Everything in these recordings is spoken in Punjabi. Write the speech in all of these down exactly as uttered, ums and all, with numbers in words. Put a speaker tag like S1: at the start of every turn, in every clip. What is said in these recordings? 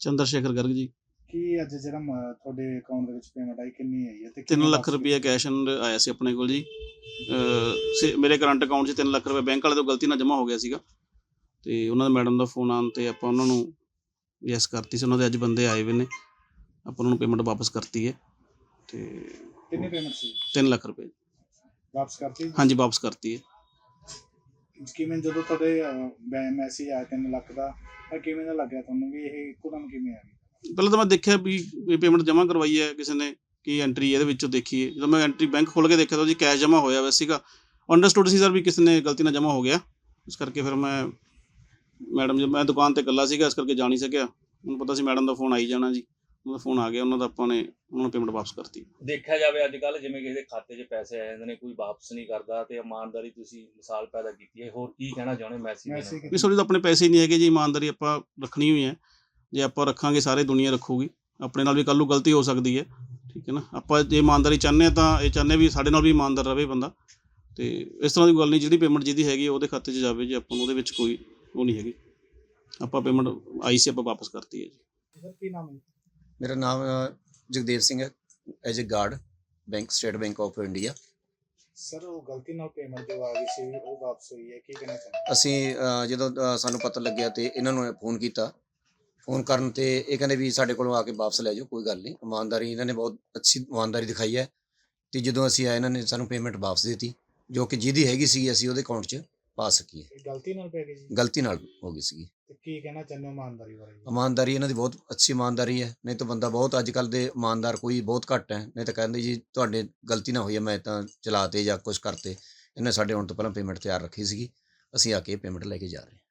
S1: ਚੰਦਰ ਸ਼ੇਖਰ ਗਰਗ ਜੀ।
S2: ਕੀ ਅੱਜ ਜਿਹੜਾ ਮ ਤੁਹਾਡੇ ਅਕਾਊਂਟ ਦੇ ਵਿੱਚ ਪੇਮੈਂਟ ਆਈ ਕਿੰਨੀ ਆਈ ਹੈ ਤੇ
S1: ਤਿੰਨ
S2: ਕਿਵੇਂ
S1: ਲੱਖ
S2: ਵਾਪਸ
S1: ਰੁਪਈਆ
S2: ਕੀਤੀ?
S1: ਕੈਸ਼ ਐਂਡ ਆਇਆ ਸੀ ਆਪਣੇ ਕੋਲ ਜੀ। ਅ, ਸੇ ਮੇਰੇ ਕਰੰਟ ਅਕਾਊਂਟ 'ਚ ਤਿੰਨ ਲੱਖ ਰੁਪਏ ਬੈਂਕ ਵਾਲੇ ਤੋਂ ਗਲਤੀ ਨਾਲ ਜਮ੍ਹਾਂ ਹੋ ਗਿਆ ਸੀਗਾ ਅਤੇ ਉਹਨਾਂ ਦੇ ਮੈਡਮ ਦਾ ਫੋਨ ਆਉਣ 'ਤੇ ਆਪਾਂ ਉਹਨਾਂ ਨੂੰ ਯੈਸ ਕਰਤੀ ਸੀ। ਉਹਨਾਂ ਦੇ ਅੱਜ ਬੰਦੇ ਆਏ ਹੋਏ ਨੇ, ਆਪਾਂ ਉਹਨਾਂ ਨੂੰ ਪੇਮੈਂਟ ਵਾਪਸ ਕਰਤੀ ਹੈ ਅਤੇ
S2: ਕਿੰਨੀ ਪੇਮੈਂਟ ਸੀ?
S1: ਤਿੰਨ ਲੱਖ ਰੁਪਏ।
S2: ਵਾਪਸ ਕਰਤੀ?
S1: ਹਾਂਜੀ, ਵਾਪਸ ਕਰਤੀ ਹੈ।
S2: ਕਿਵੇਂ ਜਦੋਂ ਤੁਹਾਡੇ ਮੈਸੇਜ ਆਇਆ ਤਿੰਨ ਲੱਖ ਦਾ ਤਾਂ ਕਿਵੇਂ ਦਾ ਲੱਗਿਆ ਤੁਹਾਨੂੰ ਵੀ ਇਹ ਇੱਕੋਦਮ ਕਿਵੇਂ ਆ ਗਈ?
S1: ਪਹਿਲਾਂ ਤਾਂ ਮੈਂ ਦੇਖਿਆ ਵੀ ਇਹ ਪੇਮੈਂਟ ਜਮ੍ਹਾਂ ਕਰਵਾਈ ਹੈ ਕਿਸੇ ਨੇ, ਕੀ ਐਂਟਰੀ ਇਹਦੇ ਵਿੱਚੋਂ ਦੇਖੀ ਹੈ। ਜਦੋਂ ਮੈਂ ਐਂਟਰੀ ਬੈਂਕ ਖੋਲ੍ਹ ਕੇ ਦੇਖਿਆ ਤਾਂ ਜੀ ਕੈਸ਼ ਜਮ੍ਹਾਂ ਹੋਇਆ ਹੋਇਆ ਸੀਗਾ। ਅੰਡਰਸਟੂਡ ਸੀ ਸਰ ਵੀ ਕਿਸੇ ਨੇ ਗਲਤੀ ਨਾਲ ਜਮ੍ਹਾਂ ਹੋ ਗਿਆ, ਇਸ ਕਰਕੇ ਫਿਰ ਮੈਂ ਮੈਡਮ ਜੀ ਮੈਂ ਦੁਕਾਨ 'ਤੇ ਇਕੱਲਾ ਸੀਗਾ, ਇਸ ਕਰਕੇ ਜਾ ਨਹੀਂ ਸਕਿਆ। ਮੈਨੂੰ ਪਤਾ ਸੀ ਮੈਡਮ ਦਾ ਫੋਨ ਆਈ ਜਾਣਾ ਜੀ, ਉਹਨਾਂ ਦਾ ਫੋਨ ਆ ਗਿਆ, ਉਹਨਾਂ ਦਾ ਆਪਾਂ ਨੇ ਉਹਨਾਂ ਨੂੰ ਪੇਮੈਂਟ ਵਾਪਸ ਕਰਤੀ।
S3: ਦੇਖਿਆ ਜਾਵੇ ਅੱਜ ਕੱਲ੍ਹ ਜਿਵੇਂ ਕਿਸੇ ਦੇ ਖਾਤੇ 'ਚ ਪੈਸੇ ਆ ਜਾਂਦੇ ਨੇ, ਕੋਈ ਵਾਪਸ ਨਹੀਂ ਕਰਦਾ ਤੇ ਇਮਾਨਦਾਰੀ ਤੁਸੀਂ ਮਿਸਾਲ ਪੈਦਾ ਕੀਤੀ ਹੈ। ਹੋਰ ਕੀ ਕਹਿਣਾ ਚਾਹੁੰਦੇ ਮੈਸੇਜ
S2: ਮੈਸੇਜ
S1: ਵੀ ਤੁਹਾਡੇ ਤਾਂ ਆਪਣੇ ਪੈਸੇ ਹੀ ਨਹੀਂ ਹੈਗੇ ਜੀ, ਇਮਾਨਦਾਰੀ ਆਪਾਂ ਰੱਖਣੀ ਹੋਈ ਹੈ। ਜੇ ਆਪਾਂ ਰੱਖਾਂਗੇ ਸਾਰੇ ਦੁਨੀਆ ਰੱਖੂਗੀ, ਆਪਣੇ ਨਾਲ ਵੀ ਕੱਲ੍ਹ ਨੂੰ ਗਲਤੀ ਹੋ ਸਕਦੀ ਹੈ, ਠੀਕ ਹੈ ਨਾ। ਆਪਾਂ ਜੇ ਇਮਾਨਦਾਰੀ ਚਾਹੁੰਦੇ ਹਾਂ ਤਾਂ ਇਹ ਚਾਹੁੰਦੇ ਵੀ ਸਾਡੇ ਨਾਲ ਵੀ ਇਮਾਨਦਾਰ ਰਹੇ ਬੰਦਾ, ਅਤੇ ਇਸ ਤਰ੍ਹਾਂ ਦੀ ਗੱਲ ਨਹੀਂ। ਜਿਹੜੀ ਪੇਮੈਂਟ ਜਿਹਦੀ ਹੈਗੀ ਉਹਦੇ ਖਾਤੇ 'ਚ ਜਾਵੇ ਜੀ, ਆਪਾਂ ਨੂੰ ਉਹਦੇ ਵਿੱਚ ਕੋਈ ਉਹ ਨਹੀਂ ਹੈਗੀ। ਆਪਾਂ ਪੇਮੈਂਟ ਆਈ ਸੀ, ਆਪਾਂ ਵਾਪਸ ਕਰਤੀ ਹੈ ਜੀ।
S2: ਸਰ ਕੀ ਨਾਮ ਹੈ?
S4: ਮੇਰਾ ਨਾਮ ਅ, ਜਗਦੇਵ ਸਿੰਘ ਹੈ, as a guard bank State Bank of India.
S2: Sir ਉਹ ਗਲਤੀ ਨਾਲ ਪੇਮੈਂਟ ਜੋ ਆ ਗਈ ਸੀ ਉਹ ਵਾਪਸ ਹੋਈ ਹੈ, ਕੀ ਕਹਿਣਾ ਚਾਹੁੰਦੇ?
S4: ਅਸੀਂ ਅ, ਜਦੋਂ ਅ, ਸਾਨੂੰ ਪਤਾ ਲੱਗਿਆ ਤੇ ਇਹਨਾਂ ਨੂੰ ਫੋਨ ਕੀਤਾ। ਫੋਨ ਕਰਨ ਤੇ ਇਹ ਕਹਿੰਦੇ ਵੀ ਸਾਡੇ ਕੋਲੋਂ ਆ ਕੇ ਵਾਪਸ ਲੈ ਜਾਓ, ਕੋਈ ਗੱਲ ਨਹੀਂ। ਇਮਾਨਦਾਰੀ ਇਹਨਾਂ ਨੇ ਬਹੁਤ ਅੱਛੀ ਇਮਾਨਦਾਰੀ ਦਿਖਾਈ ਹੈ ਅਤੇ ਜਦੋਂ ਅਸੀਂ ਆਏ ਇਹਨਾਂ ਨੇ ਸਾਨੂੰ ਪੇਮੈਂਟ ਵਾਪਸ ਦੇ ਦਿੱਤੀ, ਜੋ ਕਿ ਜਿਹਦੀ ਹੈਗੀ ਸੀ ਅਸੀਂ ਉਹਦੇ ਅਕਾਊਂਟ 'ਚ ਪਾ ਸਕੀਏ।
S2: ਇਹ ਗਲਤੀ ਨਾਲ ਪੈ ਗਈ ਜੀ?
S4: ਗਲਤੀ ਨਾਲ ਹੋ ਗਈ ਸੀਗੀ।
S2: ਤੇ ਕੀ ਕਹਿਣਾ ਚਾਹੁੰਦੇ ਹੋ ਇਮਾਨਦਾਰੀ ਬਾਰੇ?
S4: ਇਮਾਨਦਾਰੀ ਇਹਨਾਂ ਦੀ ਬਹੁਤ ਅੱਛੀ ਇਮਾਨਦਾਰੀ ਹੈ, ਨਹੀਂ ਤਾਂ ਬੰਦਾ ਬਹੁਤ ਅੱਜ ਕੱਲ੍ਹ ਦੇ ਇਮਾਨਦਾਰ ਕੋਈ ਬਹੁਤ ਘੱਟ ਹੈ। ਨਹੀਂ ਤਾਂ ਕਹਿੰਦੇ ਜੀ ਤੁਹਾਡੇ ਗਲਤੀ ਨਾ ਹੋਈ ਹੈ, ਮੈਂ ਤਾਂ ਚਲਾ ਤੇ ਜਾਂ ਕੁਛ ਕਰਤੇ। ਇਹਨੇ ਸਾਡੇ ਆਉਣ ਤੋਂ ਪਹਿਲਾਂ ਪੇਮੈਂਟ ਤਿਆਰ ਰੱਖੀ ਸੀਗੀ, ਅਸੀਂ ਆ ਕੇ ਪੇਮੈਂਟ ਲੈ ਕੇ ਜਾ ਰਹੇ ਹਾਂ।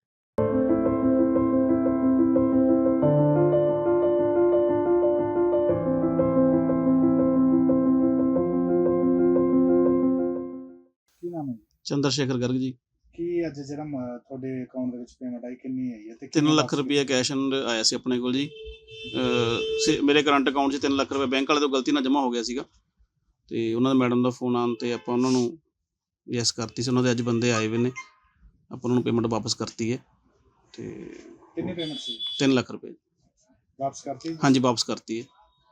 S2: ਕੀ ਨਾਮ ਹੈ?
S1: ਚੰਦਰ ਸ਼ੇਖਰ ਗਰਗ ਜੀ।
S2: ਕੀ ਅੱਜ ਜਿਹੜਾ ਮ ਤੁਹਾਡੇ ਅਕਾਊਂਟ ਦੇ ਵਿੱਚ ਪੇਮੈਂਟ ਆਈ ਕਿੰਨੀ ਆਈ ਹੈ ਤੇ
S1: ਤਿੰਨ
S2: ਕਿਵੇਂ
S1: ਲੱਖ
S2: ਵਾਪਸ
S1: ਰੁਪਈਆ ਕੈਸ਼ ਐਂਡ ਆਇਆ ਸੀ ਆਪਣੇ ਕੋਲ ਜੀ। ਅ, ਸੇ ਮੇਰੇ ਕਰੰਟ ਅਕਾਊਂਟ 'ਚ ਤਿੰਨ ਲੱਖ ਰੁਪਏ ਬੈਂਕ ਵਾਲੇ ਤੋਂ ਗਲਤੀ ਨਾਲ ਜਮ੍ਹਾਂ ਹੋ ਗਿਆ ਸੀਗਾ ਅਤੇ ਉਹਨਾਂ ਦੇ ਮੈਡਮ ਦਾ ਫੋਨ ਆਉਣ 'ਤੇ ਆਪਾਂ ਉਹਨਾਂ ਨੂੰ ਯੈਸ ਕਰਤੀ ਸੀ। ਉਹਨਾਂ ਦੇ ਅੱਜ ਬੰਦੇ ਆਏ ਹੋਏ ਨੇ, ਆਪਾਂ ਉਹਨਾਂ ਨੂੰ ਪੇਮੈਂਟ ਵਾਪਸ ਕਰਤੀ ਹੈ ਅਤੇ
S2: ਕਿੰਨੀ ਪੇਮੈਂਟ ਸੀ?
S1: ਤਿੰਨ ਲੱਖ ਰੁਪਏ।
S2: ਵਾਪਸ ਕਰਤੀ?
S1: ਹਾਂਜੀ, ਵਾਪਸ ਕਰਤੀ ਹੈ।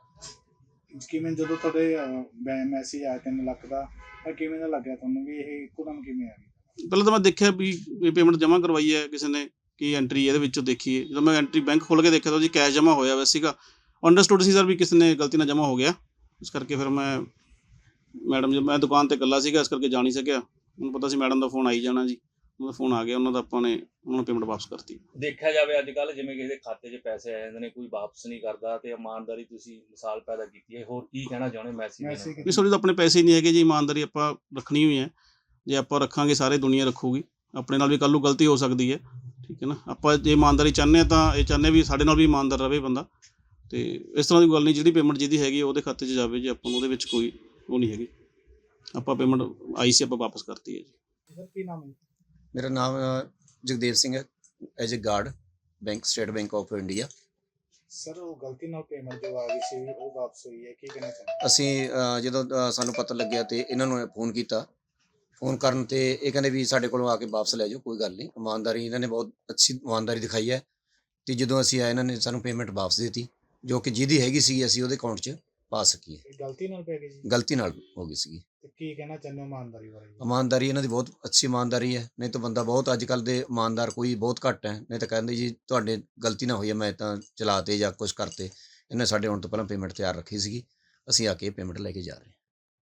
S2: ਕਿਵੇਂ ਜਦੋਂ ਤੁਹਾਡੇ ਮੈਸੇਜ ਆਇਆ ਤਿੰਨ ਲੱਖ ਦਾ ਤਾਂ ਕਿਵੇਂ ਦਾ ਲੱਗਿਆ ਤੁਹਾਨੂੰ ਵੀ ਇਹ ਇੱਕੋਦਮ ਕਿਵੇਂ ਆ ਗਈ?
S1: ਪਹਿਲਾਂ ਤਾਂ ਮੈਂ ਦੇਖਿਆ ਵੀ ਇਹ ਪੇਮੈਂਟ ਜਮ੍ਹਾਂ ਕਰਵਾਈ ਹੈ ਕਿਸੇ ਨੇ, ਕੀ ਐਂਟਰੀ ਇਹਦੇ ਵਿੱਚੋਂ ਦੇਖੀ ਹੈ। ਜਦੋਂ ਮੈਂ ਐਂਟਰੀ ਬੈਂਕ ਖੋਲ੍ਹ ਕੇ ਦੇਖਿਆ ਤਾਂ ਜੀ ਕੈਸ਼ ਜਮ੍ਹਾਂ ਹੋਇਆ ਹੋਇਆ ਸੀਗਾ। ਅੰਡਰਸਟੂਡ ਸੀ ਸਰ ਵੀ ਕਿਸੇ ਨੇ ਗਲਤੀ ਨਾਲ ਜਮ੍ਹਾਂ ਹੋ ਗਿਆ, ਇਸ ਕਰਕੇ ਫਿਰ ਮੈਂ ਮੈਡਮ ਜੀ ਮੈਂ ਦੁਕਾਨ 'ਤੇ ਇਕੱਲਾ ਸੀਗਾ, ਇਸ ਕਰਕੇ ਜਾ ਨਹੀਂ ਸਕਿਆ। ਮੈਨੂੰ ਪਤਾ ਸੀ ਮੈਡਮ ਦਾ ਫੋਨ ਆਈ ਜਾਣਾ ਜੀ, ਉਹਨਾਂ ਦਾ ਫੋਨ ਆ ਗਿਆ, ਉਹਨਾਂ ਦਾ ਆਪਾਂ ਨੇ ਉਹਨਾਂ ਨੂੰ ਪੇਮੈਂਟ ਵਾਪਸ ਕਰਤੀ।
S3: ਦੇਖਿਆ ਜਾਵੇ ਅੱਜ ਕੱਲ੍ਹ ਜਿਵੇਂ ਕਿਸੇ ਦੇ ਖਾਤੇ 'ਚ ਪੈਸੇ ਆ ਜਾਂਦੇ ਨੇ, ਕੋਈ ਵਾਪਸ ਨਹੀਂ ਕਰਦਾ ਤੇ ਇਮਾਨਦਾਰੀ ਤੁਸੀਂ ਮਿਸਾਲ ਪੈਦਾ ਕੀਤੀ ਹੈ। ਹੋਰ ਕੀ ਕਹਿਣਾ ਚਾਹੁੰਦੇ ਮੈਸੇਜ
S2: ਮੈਸੇਜ
S1: ਵੀ ਤੁਹਾਡੇ ਤਾਂ ਆਪਣੇ ਪੈਸੇ ਹੀ ਨਹੀਂ ਹੈਗੇ ਜੀ, ਇਮਾਨਦਾਰੀ ਆਪਾਂ ਰੱਖਣੀ ਹੋਈ ਹੈ। ਜੇ ਆਪਾਂ ਰੱਖਾਂਗੇ ਸਾਰੇ ਦੁਨੀਆ ਰੱਖੂਗੀ, ਆਪਣੇ ਨਾਲ ਵੀ ਕੱਲ੍ਹ ਨੂੰ ਗਲਤੀ ਹੋ ਸਕਦੀ ਹੈ, ਠੀਕ ਹੈ ਨਾ। ਆਪਾਂ ਜੇ ਇਮਾਨਦਾਰੀ ਚਾਹੁੰਦੇ ਹਾਂ ਤਾਂ ਇਹ ਚਾਹੁੰਦੇ ਵੀ ਸਾਡੇ ਨਾਲ ਵੀ ਇਮਾਨਦਾਰ ਰਹੇ ਬੰਦਾ, ਅਤੇ ਇਸ ਤਰ੍ਹਾਂ ਦੀ ਗੱਲ ਨਹੀਂ। ਜਿਹੜੀ ਪੇਮੈਂਟ ਜਿਹਦੀ ਹੈਗੀ ਉਹਦੇ ਖਾਤੇ 'ਚ ਜਾਵੇ ਜੀ, ਆਪਾਂ ਨੂੰ ਉਹਦੇ ਵਿੱਚ ਕੋਈ ਉਹ ਨਹੀਂ ਹੈਗੀ। ਆਪਾਂ ਪੇਮੈਂਟ ਆਈ ਸੀ, ਆਪਾਂ ਵਾਪਸ ਕਰਤੀ ਹੈ ਜੀ।
S2: ਸਰ ਕੀ ਨਾਮ ਹੈ?
S4: ਮੇਰਾ ਨਾਮ ਅ, ਜਗਦੇਵ ਸਿੰਘ ਹੈ, as a guard bank State Bank of India.
S2: Sir ਉਹ ਗਲਤੀ ਨਾਲ ਪੇਮੈਂਟ ਜੋ ਆ ਗਈ ਸੀ ਉਹ ਵਾਪਸ ਹੋਈ ਹੈ, ਕੀ ਕਹਿਣਾ ਚਾਹੁੰਦੇ?
S4: ਅਸੀਂ ਅ, ਜਦੋਂ ਅ, ਸਾਨੂੰ ਪਤਾ ਲੱਗਿਆ ਤੇ ਇਹਨਾਂ ਨੂੰ ਫੋਨ ਕੀਤਾ। ਫੋਨ ਕਰਨ ਤੇ ਇਹ ਕਹਿੰਦੇ ਵੀ ਸਾਡੇ ਕੋਲੋਂ ਆ ਕੇ ਵਾਪਸ ਲੈ ਜਾਓ, ਕੋਈ ਗੱਲ ਨਹੀਂ। ਇਮਾਨਦਾਰੀ ਇਹਨਾਂ ਨੇ ਬਹੁਤ ਅੱਛੀ ਇਮਾਨਦਾਰੀ ਦਿਖਾਈ ਹੈ ਅਤੇ ਜਦੋਂ ਅਸੀਂ ਆਏ ਇਹਨਾਂ ਨੇ ਸਾਨੂੰ ਪੇਮੈਂਟ ਵਾਪਸ ਦੇ ਦਿੱਤੀ, ਜੋ ਕਿ ਜਿਹਦੀ ਹੈਗੀ ਸੀ ਅਸੀਂ ਉਹਦੇ ਅਕਾਊਂਟ 'ਚ ਪਾ ਸਕੀਏ।
S2: ਇਹ ਗਲਤੀ ਨਾਲ ਪੈ ਗਈ ਜੀ?
S4: ਗਲਤੀ ਨਾਲ ਹੋ ਗਈ ਸੀਗੀ।
S2: ਤੇ ਕੀ ਕਹਿਣਾ ਚਾਹੁੰਦੇ ਹੋ ਇਮਾਨਦਾਰੀ ਬਾਰੇ?
S4: ਇਮਾਨਦਾਰੀ ਇਹਨਾਂ ਦੀ ਬਹੁਤ ਅੱਛੀ ਇਮਾਨਦਾਰੀ ਹੈ, ਨਹੀਂ ਤਾਂ ਬੰਦਾ ਬਹੁਤ ਅੱਜ ਕੱਲ੍ਹ ਦੇ ਇਮਾਨਦਾਰ ਕੋਈ ਬਹੁਤ ਘੱਟ ਹੈ। ਨਹੀਂ ਤਾਂ ਕਹਿੰਦੇ ਜੀ ਤੁਹਾਡੇ ਗਲਤੀ ਨਾ ਹੋਈ ਹੈ, ਮੈਂ ਤਾਂ ਚਲਾ ਤੇ ਜਾਂ ਕੁਛ ਕਰਤੇ। ਇਹਨੇ ਸਾਡੇ ਆਉਣ ਤੋਂ ਪਹਿਲਾਂ ਪੇਮੈਂਟ ਤਿਆਰ ਰੱਖੀ ਸੀਗੀ, ਅਸੀਂ ਆ ਕੇ ਪੇਮੈਂਟ ਲੈ ਕੇ ਜਾ ਰਹੇ ਹਾਂ।